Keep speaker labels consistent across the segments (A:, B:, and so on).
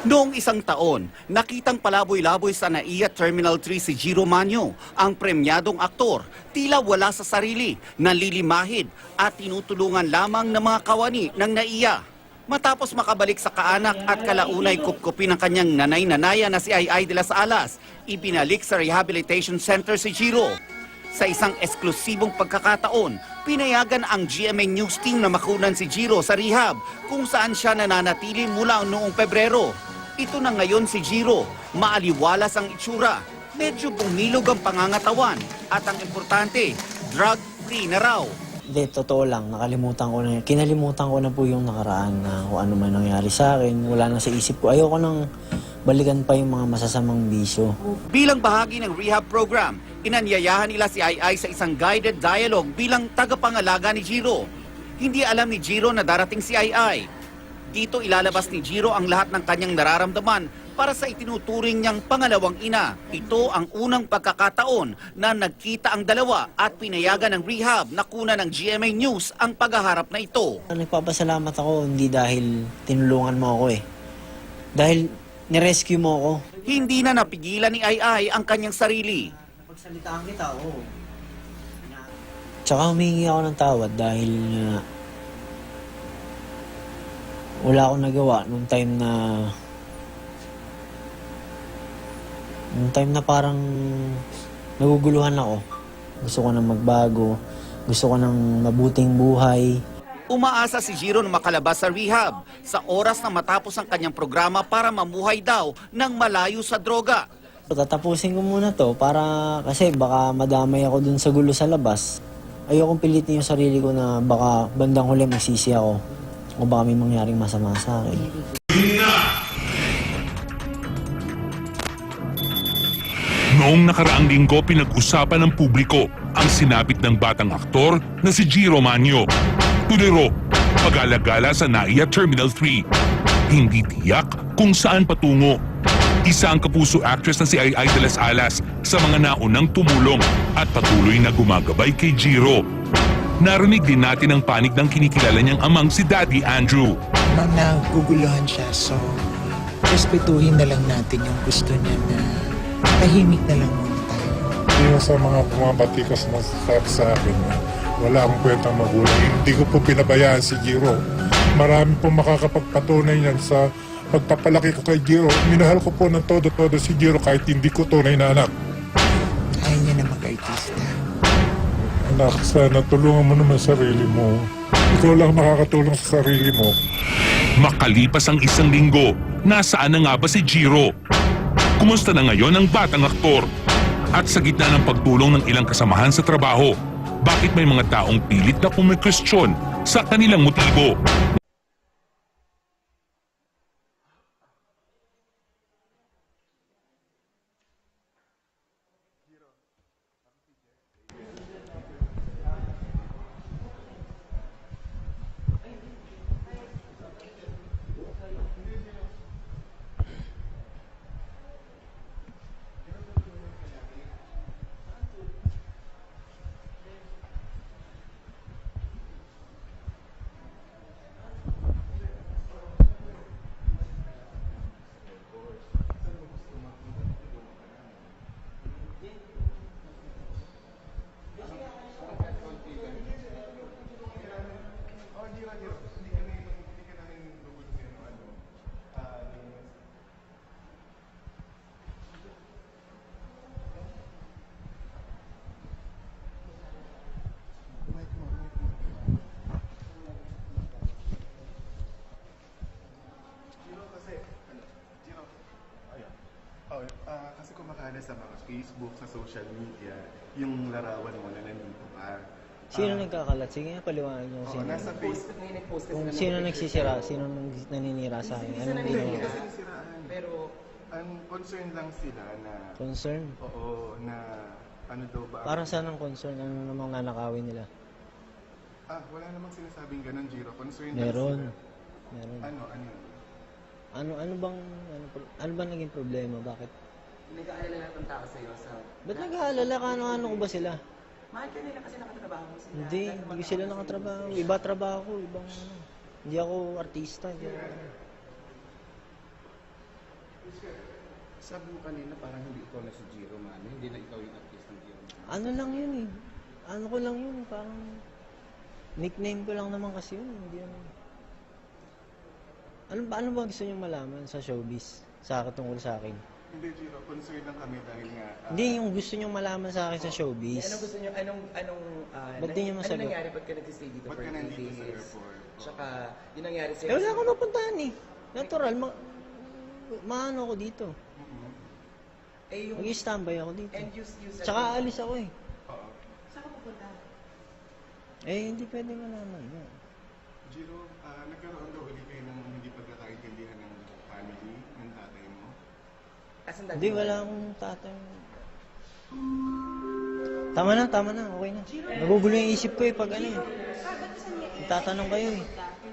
A: Noong isang taon, nakitang palaboy-laboy sa NAIA Terminal 3 si Jiro Manyo, ang premyadong aktor, tila wala sa sarili, nalilimahid at tinutulungan lamang ng mga kawani ng NAIA. Matapos makabalik sa kaanak at kalaunay kupkupi ng kanyang nanay-nanaya na si Ai de las Alas, ibinalik sa Rehabilitation Center si Jiro. Sa isang eksklusibong pagkakataon, pinayagan ang GMA News team na makunan si Jiro sa rehab kung saan siya nananatili mula noong Pebrero. Ito na ngayon si Jiro, maaliwalas ang itsura, medyo bumilog ang pangangatawan at ang importante, drug-free na raw.
B: Hindi, totoo lang, kinalimutan ko na po yung nakaraan na kung ano man nangyari sa akin, wala na sa isip ko. Ayoko nang balikan pa yung mga masasamang bisyo.
A: Bilang bahagi ng rehab program, inanyayahan nila si Ai sa isang guided dialogue bilang tagapangalaga ni Jiro. Hindi alam ni Jiro na darating si Ai. Dito ilalabas ni Jiro ang lahat ng kanyang nararamdaman para sa itinuturing niyang pangalawang ina. Ito ang unang pagkakataon na nagkita ang dalawa at pinayagan ng rehab na kunan ng GMA News ang paghaharap na ito.
B: Nagpapasalamat ako hindi dahil tinulungan mo ako dahil nirescue mo ako.
A: Hindi na napigilan ni Ai ang kanyang sarili.
B: Napagsalitaan kita, oo. Tsaka humingi ako ng tawad dahil wala akong nagawa nung time na parang naguguluhan ako. Gusto ko nang magbago, gusto ko nang mabuting buhay.
A: Umaasa si Jiro na makalabas sa rehab sa oras na matapos ang kanyang programa para mamuhay daw ng malayo sa droga.
B: Tatapusin ko muna to kasi baka madamay ako dun sa gulo sa labas. Ayokong pilitin yung sarili ko na baka bandang huli magsisi ako o baka may mangyaring masama sa akin.
C: Noong nakaraang linggo, pinag-usapan ng publiko ang sinapit ng batang aktor na si Jiro Manyo. Tuliro, pag-alagala sa NAIA Terminal 3. Hindi tiyak kung saan patungo. Isa ang kapuso actress na si Ai de las Alas sa mga naunang tumulong at patuloy na gumagabay kay Jiro. Narinig din natin ang panig ng kinikilala niyang amang si Daddy Andrew.
D: Ma'am, naguguluhan siya, so respetuhin na lang natin yung gusto niya na tahimik na lang muna tayo.
E: Yung sa mga pumapatikas na sabi sa akin, wala akong kwentang magulang. Hindi ko po pinabayaan si Jiro. Marami po makakapagpatunay niyan sa pagpapalaki ko kay Jiro. Minahal ko po ng todo-todo si Jiro kahit hindi ko tunay na anak.
D: Ayaw niya na mag-artista.
E: Anak, sana tulungan mo naman sarili mo. Ikaw lang makakatulong sa sarili mo.
C: Makalipas ang isang linggo, nasaan na nga ba si Jiro? Kumusta na ngayon ang batang aktor? At sa gitna ng pagtulong ng ilang kasamahan sa trabaho, bakit may mga taong pilit na kumikwestiyon sa kanilang motibo?
F: Kasi kumakala sa mga Facebook, sa social media, yung larawan mo na nandito ka.
B: Sino nagkakalat? Sige nga, paliwanag niyo.
F: Oo, nasa Facebook.
B: Kung sino nagsisira, sino naninira sa akin, anong ginawa?
F: Kasi siraan. Pero, ang concern lang sila na,
B: Concern?
F: oo, na ano daw ba?
B: Para saan ang concern? Ano namang nanakawin nila?
F: Wala namang sinasabing ganun, Jiro. Concern
B: Meron.
F: lang sila.
B: Meron.
F: Ano yun?
B: Ano bang naging problema? Bakit?
G: Nag-aalala lahat ng tao sa'yo sa...
B: Ba't nag-aalala ka? Ano ko ba sila?
G: Mahal ka nila kasi nakatrabaho mo sila.
B: Hindi ko sila nakatrabaho. Iba trabaho ko, ibang Hindi ako artista. Hindi ako,
F: Sabi mo kanina parang hindi ikaw na si Jiro Manyo, hindi na ikaw yung artist ng Jiro Manyo.
B: Ano lang yun eh. Ano ko lang yun, parang nickname ko lang naman kasi yun. Hindi naman. Ano ba gusto niyong malaman sa showbiz? Tungkol sa akin?
F: Hindi Jiro, concern lang kami dahil nga...
B: Hindi yung gusto niyong malaman sa akin sa showbiz.
G: Anong gusto niyo,
B: Ba't di niyo
G: ano
B: masagot?
G: nangyari? Ba't ka nagsistay dito
F: Ba't
G: for
F: ka
G: 3
F: nandito sa
G: days?
F: airport?
G: Tsaka, yung nangyari sa'yo.
B: Eh wala akong napuntahan eh. Natural, maano ako dito.
G: Eh, yung...
B: Mag-i-standby ako dito.
G: And you said...
B: Tsaka aalis ako eh.
F: Oo.
G: Saan ka pupunta?
B: Eh hindi pwede malaman.
F: Jiro, nagkaroon daw ulit kayo ng hindi pagkakaintindihan ng family, ng tatay mo.
G: Asan
B: Hindi, wala akong tatay. Tama na, okay na. Nagugulo yung isip ko eh pag ano eh. Tatanong kayo eh.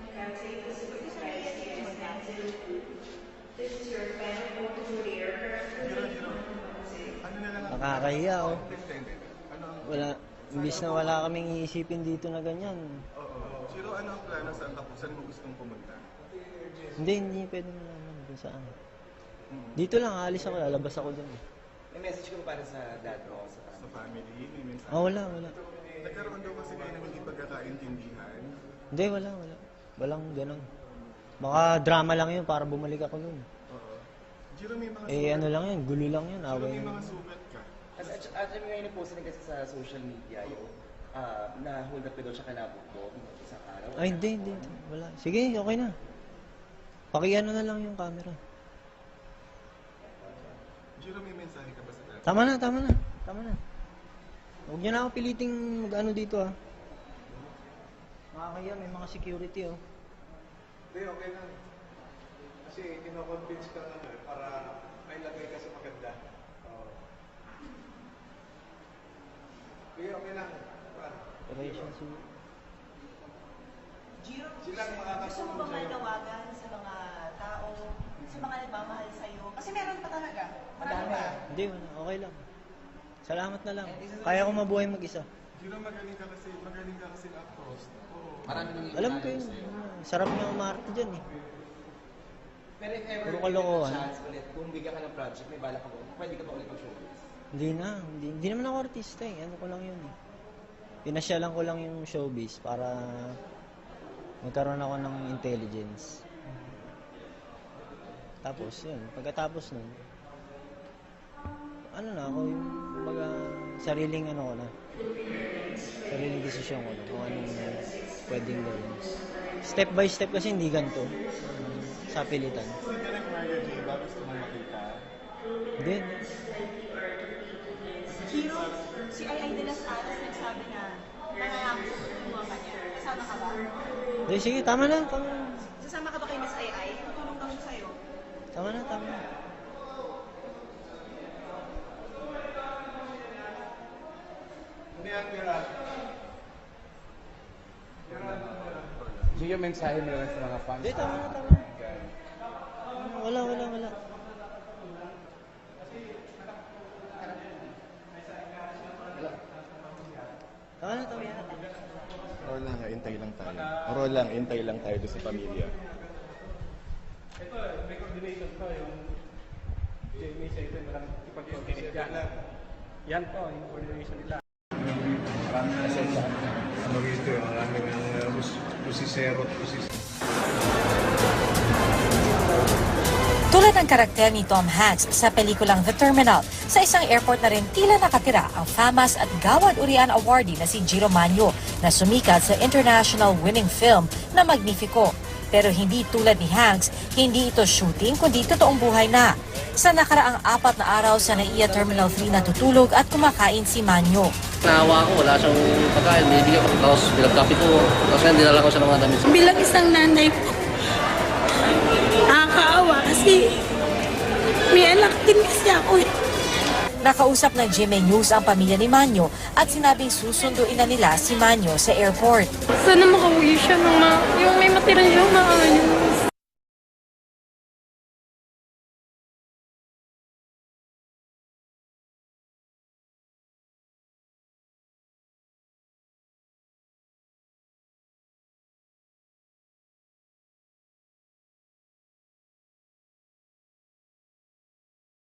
F: Ano na lang ang...
B: Nakakahiya oh.
F: Hindi. Ano ang...
B: Wala, imbis na wala kaming iisipin dito na ganyan.
F: Oo. Jiro, ano ang plano saan tapo? Saan mo gustong pumunta?
B: Hindi pwede malaman kung saan. Dito lang, aalis ako, lalabas ako dun eh.
G: May message ko para sa dad mo, sa
F: Sa family? May mensahe?
B: Wala.
F: Nagkaroon daw kasi kayo ng hindi pagkakaintindihan.
B: Hindi, wala. Walang ganun. Baka drama lang yun para bumalik ako nun.
F: Oo. Jiro, may mga
B: Eh ano lang yun, gulo lang yun,
F: Jiro,
B: away
F: may
B: lang.
F: mga sugat ka.
G: At may ngayon na-post din kasi sa social media yung na-hold up ka daw siya kalabot mo isang araw.
B: Ay, hindi. Wala. Sige, okay na. Pakiano na lang yung camera.
F: Jiro, may mensahe ka ba sa tatay?
B: Tama na. Huwag niyo na ako piliting mag-ano dito ah. Makakaya, may mga security oh.
H: Hindi, okay lang. Kasi kino-convince ka lang para may lagay ka sa maganda. Sige, okay lang.
B: Operation siguro.
I: Jiro,
H: Silang
I: gusto mo
H: makakatulong
I: bang
H: sa'yo.
I: manawagan sa mga tao, sa mga nagmamahal sa'yo? Kasi meron pa talaga. Marami pa.
B: Hindi, wala. Okay lang. Salamat na lang. Kaya ko mabuhay mag-isa.
F: Jiro, magaling ka kasi actress. Oo.
G: Marami nang
B: Alam ko yun. Sarap niya umarte dyan eh.
G: Pero if ever
B: Puro kalokohan.
G: chance ulit, kung bigyan ka ng project, may bala ka ba? Pwede ka ba ulit mag-showbiz?
B: Hindi naman ako artista eh. Ano ko lang yun eh. Pinasyalan ko lang yung showbiz para magkaroon ako ng intelligence. Tapos yun, pagkatapos nun, ano na ako yung baga sariling ano ko na. Sariling desisyon ko na kung anong pwedeng gawin. Step by step kasi hindi ganito. Sa pilitan.
F: Si Direk Mario J, ba gusto mo makita?
B: Hindi.
I: Jiro, si Ay de las Alas nagsabi na nangangako sa tulungan ka niya. Kasama ka ba?
B: Hindi, sige, tama na.
I: Sasama ka ba kay Miss Ay? Tutulong kami sa'yo.
B: Tama na.
H: Hindi yan, Gerard.
F: Jiro, mensahe mo lang sa mga fans.
B: Hindi, tama na. Wala. Tama na.
F: Roll lang, hintay lang tayo doon sa pamilya.
H: Ito, may coordination to, yung Jamie sa ito, maraming ipag-coordinate yan. Yan po, yung coordination nila. Maraming asensya. Ano rito, maraming pusisero at pusisero.
J: Tulad ng karakter ni Tom Hanks sa pelikulang The Terminal, sa isang airport na rin tila nakatira ang famous at Gawad Urian awardee na si Jiro Manyo na sumikat sa international winning film na Magnifico. Pero hindi tulad ni Hanks, hindi ito shooting kundi totoong buhay na. Sa nakaraang 4 na araw sa NAIA Terminal 3 natutulog at kumakain si Manyo.
K: Naawa ko, wala siyang pagkain, binibigyan ko. Tapos pinagkapi ko, tapos ngayon dinala ko siya ng mga damit.
L: Bilang isang nanay po, nakakaawa kasi may anak din kasi ako.
J: Nakausap ng GMA News ang pamilya ni Manyo at sinabing susunduin na nila si Manyo sa airport.
L: Sana makauwi siya ng yung may matira siyang maayos.